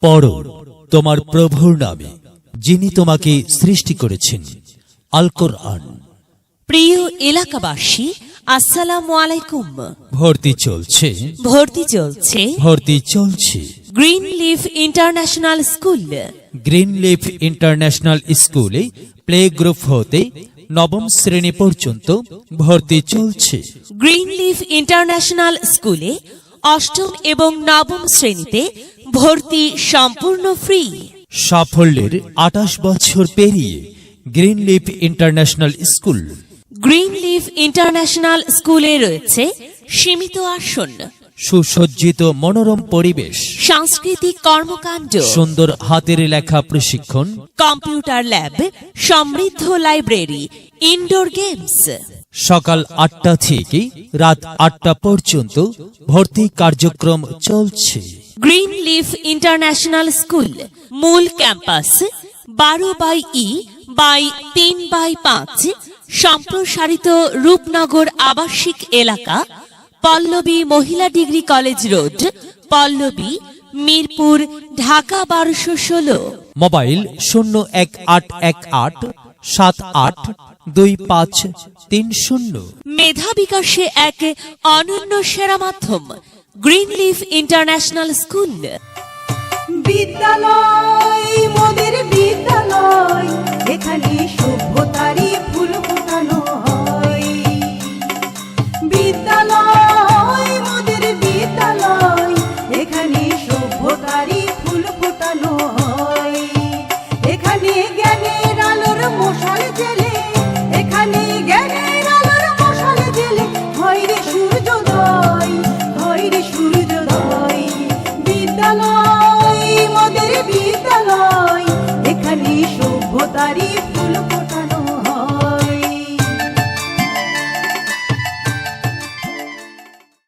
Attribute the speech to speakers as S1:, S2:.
S1: পড়ো তোমার প্রভুর নামে, যিনি তোমাকে সৃষ্টি করেছেন। আল কোরআন।
S2: প্রিয় এলাকাবাসী, আসসালামু আলাইকুম।
S1: ভর্তি চলছে,
S2: ভর্তি চলছে green leaf international school.
S1: Green leaf international স্কুলে প্লে গ্রুপ হতে নবম শ্রেণী পর্যন্ত ভর্তি চলছে।
S2: গ্রিন লিফ ইন্টারন্যাশনাল স্কুলে অষ্টম এবং নবম শ্রেণীতে ভর্তি সম্পূর্ণ ফ্রি।
S1: সাফল্যের 28 বছর পেরিয়ে green leaf international school.
S2: Green leaf international স্কুলে রয়েছে সীমিত আসন,
S1: সুসজ্জিত মনোরম পরিবেশ,
S2: সাংস্কৃতিক কর্মকাণ্ড,
S1: সুন্দর হাতের লেখা প্রশিক্ষণ,
S2: কম্পিউটার ল্যাব, সমৃদ্ধ লাইব্রেরি, ইনডোর গেমস।
S1: সকাল 8টা থেকে রাত 8টা পর্যন্ত ভর্তি কার্যক্রম চলছে।
S2: গ্রিন লিফ ইন্টারন্যাশনাল স্কুল মূল ক্যাম্পাস 12/3/5 সম্প্রসারিত রূপনগর আবাসিক এলাকা, পল্লবী মহিলা degree college road, Pallabi, Mirpur, Dhaka 1216।
S1: Mobile 01818782530।
S2: মেধা বিকাশে এক অনন্য সেরা মাধ্যম গ্রিন লিফ ইন্টারন্যাশনাল স্কুল।
S3: বিদ্যালয় মোদের বিদ্যালয়, এখানে সভ্যতারই ফুল ফোটানো হয়। বিদ্যালয় মোদের বিদ্যালয়, এখানে সভ্যতারই ফুল ফোটানো হয়। এখানে জ্ঞানের আলোর মশাল জেলে, এখানে জ্ঞানের আলোর মশাল জেলে হয় রে সূর্যোদয়, হয় রে সূর্যোদয়। বিদ্যালয় মোদের বিদ্যালয়।